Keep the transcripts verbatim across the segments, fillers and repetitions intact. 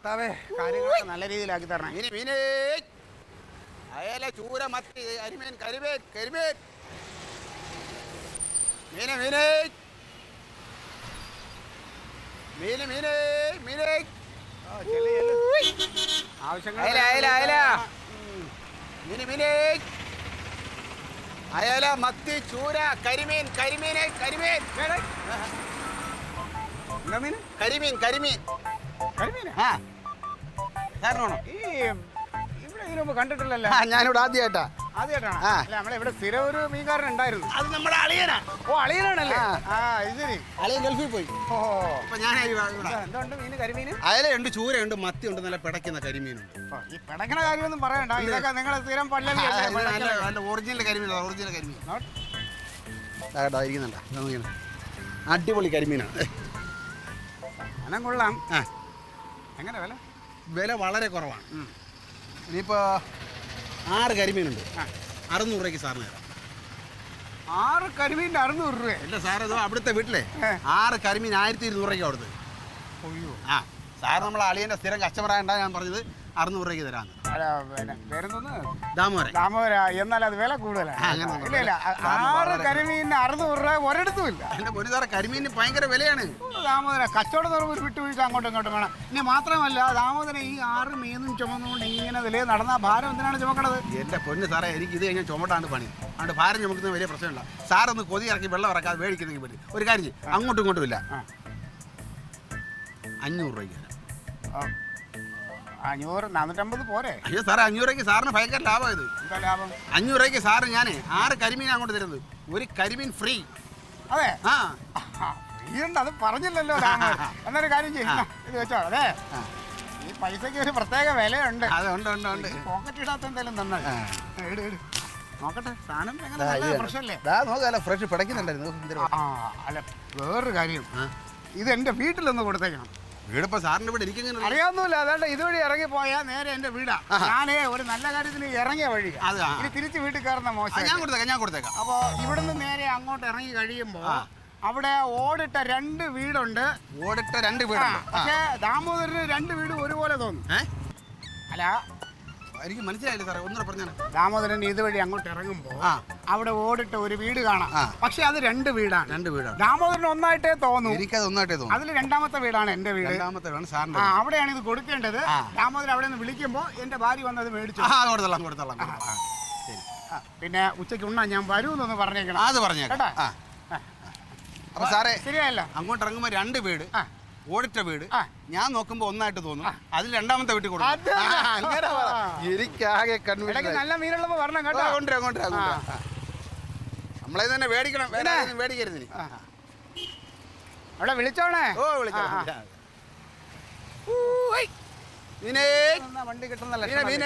കർത്താവേ കാര്യങ്ങളൊക്കെ നല്ല രീതിയിലാക്കി തരണം. മീന് മീന് അയല ചൂര മത്തി അരിമീൻ കരിമീൻ കരിമീൻ മീന് മീന് മീന് മീന് മീന് ആവശ്യങ്ങൾ അയല അയല അയല മീന് മീന് അയല മത്തി ചൂര കരിമീൻ കരിമീൻ കരിമീൻ എന്താ മീൻ? കരിമീൻ കരിമീൻ കരിമീനാ? ആ സാറിനാണോ? ഈ ഇവിടെ ഇതിനു മുമ്പ് കണ്ടിട്ടില്ലല്ലോ. ആ ഞാനിവിടെ ആദ്യമായിട്ടാ. ആദ്യമായിട്ടാണ്. ആ. അല്ല നമ്മളെ ഇവിടെ സ്ഥിരം ഒരു മീൻകാരൻ ഉണ്ടായിരുന്നു. അത് നമ്മുടെ അളിയനാ. ഓ അളിയനാണല്ലേ? ആ. ആ ഇത് ശരി. അളിയൻ ഗൾഫിൽ പോയി. ഓ അപ്പൊ ഞാനായി ഇവിടെ. എന്തുണ്ട് മീന്? കരിമീന് അയലയുണ്ട് ചൂരയുണ്ട് മത്തിയുണ്ട് നല്ല പിടയ്ക്കുന്ന കരിമീനുണ്ട്. ഈ പിടക്കണ കാര്യമൊന്നും പറയണ്ട. ഇതൊക്കെ നിങ്ങളെ സ്ഥിരം പല്ലവി ഒറിജിനൽ കരിമീൻ ഒറിജിനൽ കരിമീൻ ഇരിക്കുന്നുണ്ട. അടിപൊളി കരിമീനാണ്. അനം കൊള്ളാം. ആ എങ്ങനെ വില? വില വളരെ കുറവാണ്. ഇനിയിപ്പോൾ ആറ് കരിമീനുണ്ട്. അറുന്നൂറ് രൂപയ്ക്ക് സാറിന് തരാം. ആറ് കരിമീൻ്റെ അറുന്നൂറ് രൂപ? അല്ല സാർ ഇത് അവിടുത്തെ വീട്ടിലെ ആറ് കരിമീൻ ആയിരത്തി ഇരുന്നൂറ് രൂപയ്ക്ക് അവിടുത്തെ. അയ്യോ. ആ സാർ നമ്മളെ അളിയൻ്റെ സ്ഥിരം കസ്റ്റമർ ആയതുകൊണ്ടാണ് ഞാൻ പറഞ്ഞത് അറുന്നൂറ് രൂപയ്ക്ക് തരാമെന്ന്. അല്ല പിന്നെ പേരെന്തോന്ന്? ദാമോദരൻ. ദാമോദര. എന്നാൽ അത് വില കൂടുതലാണ്. ഇല്ല ഇല്ല ആറ് കരിമീനിന് അറുന്നൂറ് രൂപ ഒരിടത്തും ഇല്ല. എൻ്റെ പൊന്നു സാറേ കരിമീനിന് ഭയങ്കര വിലയാണ്. ദാമോദര കച്ചവടം തുറവ് ഒരു വിട്ടുവീഴ്ച അങ്ങോട്ടും ഇങ്ങോട്ടും വേണം. ഇനി മാത്രമല്ല ദാമോദരൻ ഈ ആറ് മീനും ചുമന്നുകൊണ്ട് ഇങ്ങനെ വില നടന്ന ഭാരം എന്തിനാണ് ചുമക്കണത്? എൻ്റെ പൊന്ന് സാറേ എനിക്ക് ഇത് കഴിഞ്ഞാൽ ചുമട്ടാണ് പണി. അതുകൊണ്ട് ഭാരം ചുമക്കുന്ന വലിയ പ്രശ്നമില്ല. സാറൊന്ന് കൊതി ഇറക്കി വെള്ളം ഇറക്കാതെ മേടിക്കുന്നെങ്കിൽ പറ്റും. ഒരു കാര്യം ചെയ്യും അങ്ങോട്ടും ഇങ്ങോട്ടും ഇല്ല. അഞ്ഞൂറ് രൂപയ്ക്ക് തരാം. അഞ്ഞൂറ് നാനൂറ്റമ്പത് പോരെ? അയ്യോ സാറേ അഞ്ഞൂറ് രൂപയ്ക്ക് സാറിന് ഭയങ്കര ലാഭം ഇത്. എന്താ ലാഭം? അഞ്ഞൂറ് രൂപയ്ക്ക് സാറ് ഞാൻ ആറ് കരിമീൻ അങ്ങോട്ട് തരുന്നത്. ഒരു കരിമീൻ ഫ്രീ. അതെ. ആ ഫ്രീയുണ്ട്. അത് പറഞ്ഞില്ലല്ലോ ദാമോദരൻ. എന്നൊരു കാര്യം ചെയ്യുന്ന ഇത് വെച്ചോ. അതെ ഈ പൈസക്ക് ഒരു പ്രത്യേക വിലയുണ്ട്. അതുണ്ട് ഉണ്ട് ഉണ്ട്. പോക്കറ്റ് ഇടാത്ത എന്തായാലും നന്നായി. ഇട് ഇട് നോക്കട്ടെ സാധനം എങ്ങനെ നല്ല ഫ്രഷല്ലേ? നോക്കാല ഫ്രഷ് പിടയ്ക്കുന്നുണ്ടായിരുന്നു. ആ അല്ല വേറൊരു കാര്യം, ഇത് എൻ്റെ വീട്ടിലൊന്ന് കൊടുത്തേക്കണം. വീടിപ്പോ സാറിന്റെ വീട് എനിക്കിങ്ങനെ അറിയാവുന്നില്ല. അതാണ്ട് ഇതുവഴി ഇറങ്ങി പോയാൽ നേരെ എന്റെ വീടാ. ഞാനേ ഒരു നല്ല കാര്യത്തിന് ഇറങ്ങിയ വഴി ഇനി തിരിച്ച് വീട്ടിൽ കയറുന്ന മോശം. ഞാൻ കൊടുത്തേക്കാം ഞാൻ കൊടുത്തേക്കാം. അപ്പൊ ഇവിടുന്ന് നേരെ അങ്ങോട്ട് ഇറങ്ങി കഴിയുമ്പോ അവിടെ ഓടിട്ട രണ്ട് വീടുണ്ട്. ഓടിട്ട രണ്ട് വീടുണ്ട്. പക്ഷേ ദാമോദരന് രണ്ട് വീട് ഒരുപോലെ തോന്നും. അല്ല എനിക്ക് മനസ്സിലായില്ല സാറേ, ഒന്നുകൂടെ പറഞ്ഞാൽ. ദാമോദരൻ ഇതുവഴി അങ്ങോട്ട് ഇറങ്ങുമ്പോ അവിടെ ഓടിട്ട ഒരു വീട് കാണാം. പക്ഷെ അത് രണ്ട് വീടാണ്. രണ്ട് വീടാണ്. ദാമോദരൻ ഒന്നായിട്ടേ തോന്നും. എനിക്കത് ഒന്നായിട്ടേ തോന്നും. അതിൽ രണ്ടാമത്തെ വീടാണ് എന്റെ വീട്. രണ്ടാമത്തെ വീടാണ് സാറിന്റെ. ആ അവിടെയാണ് ഇത് കൊടുക്കേണ്ടത്. ദാമോദരൻ അവിടെ നിന്ന് വിളിക്കുമ്പോ എന്റെ ഭാര്യ വന്നത് മേടിച്ചു. കൊടുത്തോളാം കൊടുത്തോളാം. പിന്നെ ഉച്ചയ്ക്ക് ഉണ്ണാൻ ഞാൻ വരൂന്നൊന്ന് പറഞ്ഞേക്കണം. അത് പറഞ്ഞേക്കാം. അപ്പൊ സാറേ ശരിയല്ല, അങ്ങോട്ട് ഇറങ്ങുമ്പോ രണ്ട് വീട് ഓടിട്ട വീട് ഞാൻ നോക്കുമ്പോ ഒന്നായിട്ട് തോന്നും. അതിൽ രണ്ടാമത്തെ വീട്ടിൽ കൊടുക്കും. എനിക്കാകെ നല്ല മീനുള്ളപ്പോ വരണം കേട്ടോ. കൊണ്ടുവരാം കൊണ്ടുവരാം. നമ്മളെ തന്നെ മേടിക്കണം, മേടിക്കരുത്. അവിടെ വിളിച്ചോണേ. ഓ വിളിച്ചോ. വണ്ടി കിട്ടുന്നല്ല.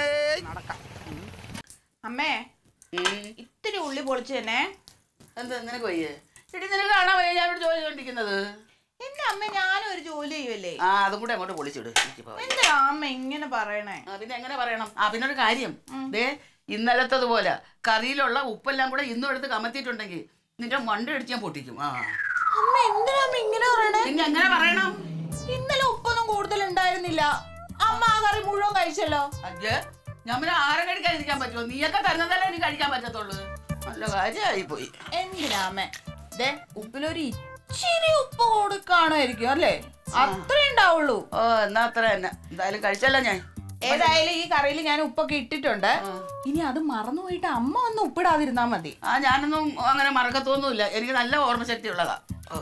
അമ്മേ ഇത്തിരി ഉള്ളി പൊളിച്ചു തന്നെ. എന്താ നിനക്ക് വയ്യേ? ഇടി നിനക്ക് കാണാൻ വയ്യ ഞാൻ ഇവിടെ ജോലി ചെയ്തോണ്ടിരിക്കുന്നത്. എന്റെ അമ്മ ഞാനും ഒരു ജോലി ചെയ്യുമല്ലേ. ആ അതും കൂടെ അങ്ങോട്ട് പൊളിച്ചിട്. എന്താ അമ്മ ഇങ്ങനെ പറയണേ? പിന്നെ എങ്ങനെ പറയണം? ആ പിന്നെ ഒരു കാര്യം, ദേ ഇന്നലത്തതുപോലെ കറിയിലുള്ള ഉപ്പെല്ലാം കൂടെ ഇന്നും എടുത്ത് കമത്തിയിട്ടുണ്ടെങ്കിൽ നിന്റെ മണ്ട അടിച്ച് ഞാൻ പൊട്ടിക്കും. ആ അമ്മ എന്തിനാ അമ്മ ഇങ്ങനെ പറയണേ? പിന്നെ എങ്ങനെ പറയണം? ഇന്നലെ ഉപ്പൊന്നും കൂടുതൽ ഉണ്ടായിരുന്നില്ല. അമ്മ ആ കറി മുഴുവൻ കഴിച്ചല്ലോ. അജ്ജ് ഞാൻ പിന്നെ ആരെ കഴിക്കാതിരിക്കാൻ പറ്റുമോ? നീയൊക്കെ തരുന്നതല്ലേ എനിക്ക് കഴിക്കാൻ പറ്റത്തുള്ളൂ. നല്ല കാര്യമായി പോയി. എന്തിനാ അമ്മ? ദേ ഉപ്പിലൊരു ഇച്ചിരി ഉപ്പ് കൊടുക്കാണായിരിക്കും അല്ലേ? അത്രേ ഉണ്ടാവുള്ളൂ. ഓ എന്നാ അത്ര തന്നെ. എന്തായാലും കഴിച്ചല്ലോ ഞാൻ. ഏതായാലും ഈ കറിയിൽ ഞാൻ ഉപ്പൊക്കെ ഇട്ടിട്ടുണ്ട്. ഇനി അത് മറന്നുപോയിട്ട് അമ്മ ഒന്ന് ഉപ്പിടാതിരുന്നാ മതി. ആ ഞാനൊന്നും അങ്ങനെ മറക്കത്തൊന്നുമില്ല. എനിക്ക് നല്ല ഓർമ്മശക്തി ഉള്ളതാ.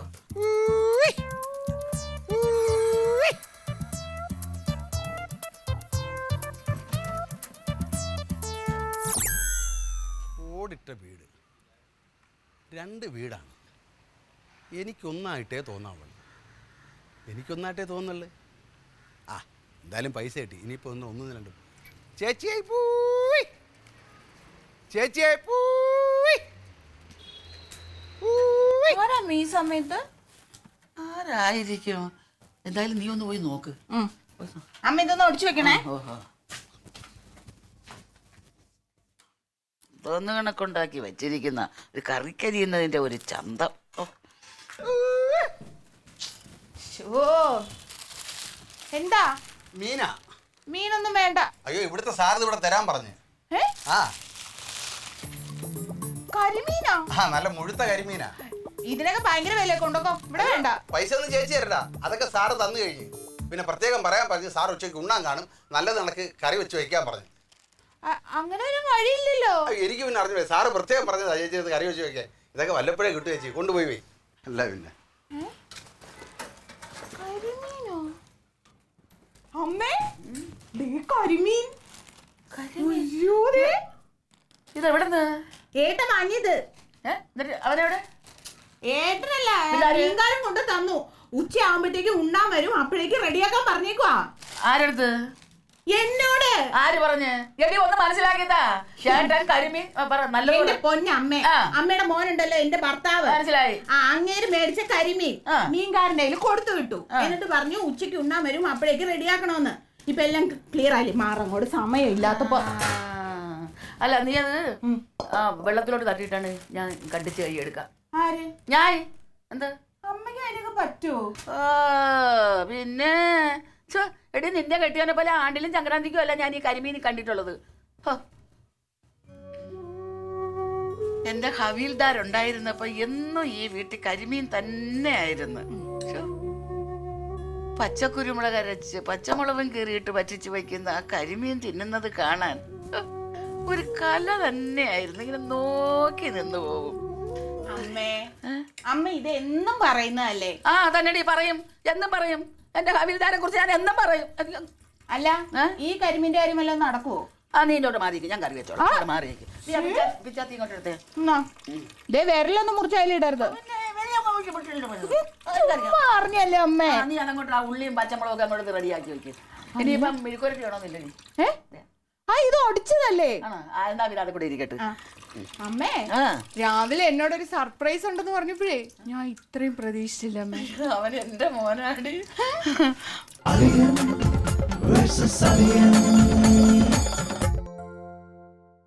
ഓടിട്ട വീട് രണ്ട് വീടാണ്. എനിക്കൊന്നായിട്ടേ തോന്നാവുള്ളൂ. എനിക്കൊന്നായിട്ടേ തോന്നുള്ളൂ. ആ എന്തായാലും പൈസ കിട്ടി. ഇനിയിപ്പോൾ ഒന്ന് ഒന്നും രണ്ടും. ചേച്ചിയായി പോയി ചേച്ചിയായി പോയി. ഈ സമയത്ത് ആരായിരിക്കും? എന്തായാലും നീ ഒന്ന് പോയി നോക്ക്. അമ്മ ഇതൊന്ന് ഒടിച്ചു വെക്കണേ. ഓഹോ തോന്നു കണക്കുണ്ടാക്കി വെച്ചിരിക്കുന്ന ഒരു കറിക്കരിയുന്നതിന്റെ ഒരു ചന്തം. എന്താ മീനാ. മീനൊന്നും വേണ്ട. അയ്യോ ഇവിടുത്തെ സാറിന് ഇവിടെ തരാൻ പറഞ്ഞു. ഏ? ആ കരിമീനാ? ആ നല്ല മുഴുത്ത കരിമീനാ. ഇതിനൊക്കെ ഭയങ്കര വില കൊണ്ടോ. ഇവിടെ വേണ്ട. പൈസ ഒന്നും ചേച്ചി തരടാ, അതൊക്കെ സാറ് തന്നു കഴിഞ്ഞു. പിന്നെ പ്രത്യേകം പറയാൻ പറഞ്ഞു, സാർ ഉച്ചയ്ക്ക് ഉണ്ണാൻ കാണും, നല്ലത് കണക്ക് കറി വെച്ച് വയ്ക്കാൻ പറഞ്ഞു. അങ്ങനെ ഒരു വഴിയില്ലല്ലോ. എനിക്ക് പിന്നെ അറിഞ്ഞു, സാറ് പ്രത്യേകം പറഞ്ഞതാ ചേച്ചി അത് കറി വെച്ച് വയ്ക്കാൻ. ഇതൊക്കെ വല്ലപ്പോഴേ കിട്ടും ചേച്ചി, കൊണ്ടുപോയി പോയി. അല്ല പിന്നെ അമ്മേ കരിമീൻ. ഇതെവിടെന്ന് ഏട്ട വാങ്ങിയത്. അവനെവിടെ? ഏട്ടനല്ല, മീൻകാരൻ കൊണ്ട് തന്നു. ഉച്ച ആവുമ്പത്തേക്ക് ഉണ്ണാൻ വരും, അപ്പോഴേക്ക് റെഡിയാക്കാൻ പറഞ്ഞേക്കുവാ. ആരെടുത്ത്? എന്നോട്. ആര് പറഞ്ഞ്? എടി ഒന്ന് മനസ്സിലാക്കിയതാ. ചേട്ടൻ കരിമീൻ എന്റെ പൊന്നമ്മേ, അമ്മയുടെ മോനുണ്ടല്ലോ എന്റെ ഭർത്താവ്, മനസ്സിലായി. ആ അങ്ങേര് മേടിച്ച കരിമീൻ മീൻകാരന്റെ കയ്യിൽ കൊടുത്തു വിട്ടു. എന്നിട്ട് പറഞ്ഞു ഉച്ചയ്ക്ക് ഉണ്ണാൻ വരും, അപ്പോഴേക്ക് റെഡിയാക്കണോന്ന്. ഇപ്പൊ എല്ലാം ക്ലിയർ ആയില്ലേ? മാറങ്ങോട് സമയം ഇല്ലാത്തപ്പോ. അല്ല നീ അത് ആ വെള്ളത്തിലോട്ട് തട്ടിയിട്ടാണ് ഞാൻ കണ്ടിച്ച് കൈ എടുക്കാം. ആര്? ഞാൻ. എന്ത്? അമ്മയ്ക്ക് അതിനൊക്കെ പറ്റുമോ? പിന്നെ എടി നിന്നെ കെട്ടിയവനെ പോലെ ആണ്ടിലും സംക്രാന്തിക്കും അല്ല ഞാൻ ഈ കരിമീൻ കണ്ടിട്ടുള്ളത്. എന്റെ ഹവീൽദാരുണ്ടായിരുന്നപ്പോ എന്നും ഈ വീട്ടിൽ കരിമീൻ തന്നെ ആയിരുന്നു. പച്ചക്കുരുമുളക് അരച്ച് പച്ചമുളകും കീറിയിട്ട് പറ്റിച്ച് വയ്ക്കുന്ന ആ കരിമീൻ തിന്നുന്നത് കാണാൻ ഒരു കല തന്നെയായിരുന്നു. ഇങ്ങനെ നോക്കി നിന്ന് പോകും. അമ്മേ, അമ്മ ഇത് എന്നും പറയുന്നതല്ലേ? ആ തന്നെടി പറയും, എന്നും പറയും. എന്റെ ഹവീൽദാരെ കുറിച്ച് ഞാൻ എന്നും പറയും. അല്ല ഈ കരിമീന്റെ കാര്യം വല്ലതും നടക്കുവോ? ആ നീ ഇങ്ങോട്ട് മാറിയിരിക്കും, ഞാൻ കറി വെച്ചോളാം. മാറിയിരിക്കും. ഇങ്ങോട്ട് എടുത്തേ. വിരലൊന്നും മുറിച്ചാലിടരുത്. അറിഞ്ഞല്ലേ അമ്മേ? നീ അതങ്ങോട്ട് ആ ഉള്ളിയും പച്ചമുളകൊക്കെ അങ്ങോട്ട് റെഡിയാക്കി വെക്കും. ഇനിയിപ്പം മെഴുക്കുരട്ടി വേണമെന്നില്ല നീ. ആ ഇത് ഒടിച്ചതല്ലേ? എന്നാ പിന്നെ അത് കൂടെ ഇരിക്കട്ടെ. അമ്മേ രാവിലെ എന്നോടൊരു സർപ്രൈസ് ഉണ്ടെന്ന് പറഞ്ഞപ്പോഴേ ഞാൻ ഇത്രയും പ്രതീക്ഷിച്ചില്ല അമ്മേ. അവൻ എന്റെ മോനാടി.